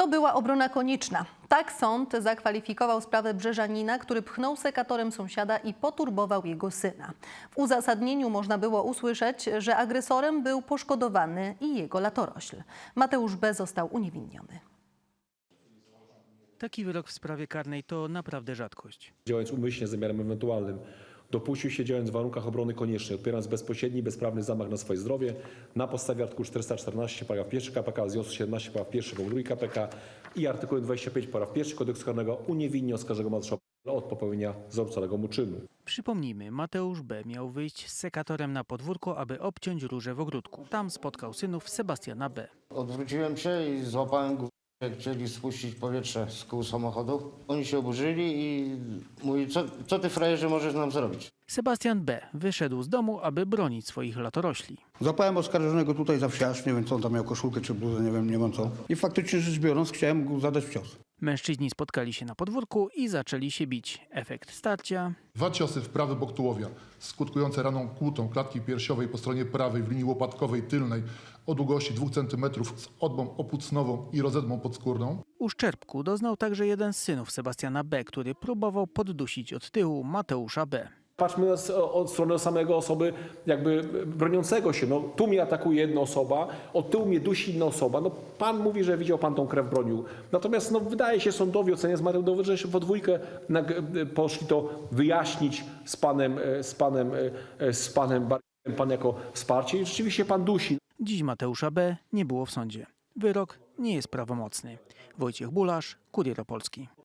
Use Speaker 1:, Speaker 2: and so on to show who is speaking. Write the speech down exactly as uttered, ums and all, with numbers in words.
Speaker 1: To była obrona konieczna. Tak sąd zakwalifikował sprawę brzeżanina, który pchnął sekatorem sąsiada i poturbował jego syna. W uzasadnieniu można było usłyszeć, że agresorem był poszkodowany i jego latorośl. Mateusz B. został uniewinniony.
Speaker 2: Taki wyrok w sprawie karnej to naprawdę rzadkość.
Speaker 3: Działając umyślnie z zamiarem ewentualnym, dopuścił się, działając w warunkach obrony koniecznej, odpierając bezpośredni, bezprawny zamach na swoje zdrowie na podstawie artykułu czterysta czternaście paragraf pierwszy K P K, związku siedemnaście paragraf pierwszy punkt drugi K P K i artykułem dwadzieścia pięć paragraf pierwszy Kodeksu karnego uniewinni oskarżonego Mateusza B. od popełnienia zarzucanego mu czynu.
Speaker 2: Przypomnijmy, Mateusz B. miał wyjść z sekatorem na podwórko, aby obciąć róże w ogródku. Tam spotkał synów Sebastiana B.
Speaker 4: Odwróciłem się i złapałem go, jak chcieli spuścić powietrze z kół samochodu. Oni się oburzyli i mówi, co, co ty frajerze możesz nam zrobić?
Speaker 2: Sebastian B. wyszedł z domu, aby bronić swoich latorośli.
Speaker 5: Złapałem oskarżonego tutaj za wsiarz, nie wiem co on tam miał, koszulkę czy bluzę, nie wiem, nie wiem co. I faktycznie rzecz biorąc chciałem mu zadać cios.
Speaker 2: Mężczyźni spotkali się na podwórku i zaczęli się bić. Efekt starcia.
Speaker 6: Dwa ciosy w prawy bok tułowia, skutkujące raną kłutą klatki piersiowej po stronie prawej w linii łopatkowej tylnej o długości dwóch centymetrów z odbą opłucnową i rozedmą podskórną.
Speaker 2: Uszczerbku doznał także jeden z synów Sebastiana B., który próbował poddusić od tyłu Mateusza B.
Speaker 3: Patrzmy od strony samego osoby jakby broniącego się. No, tu mnie atakuje jedna osoba, od tyłu mnie dusi inna osoba. No, pan mówi, że widział pan tą krew, bronił. Natomiast no, wydaje się sądowi, oceniając materiał dowodowy, że we dwójkę poszli to wyjaśnić z panem, z panem, z panem Barkiem, pan jako wsparcie. I rzeczywiście pan dusi.
Speaker 2: Dziś Mateusza B. nie było w sądzie. Wyrok nie jest prawomocny. Wojciech Bulasz, Kurier Opolski.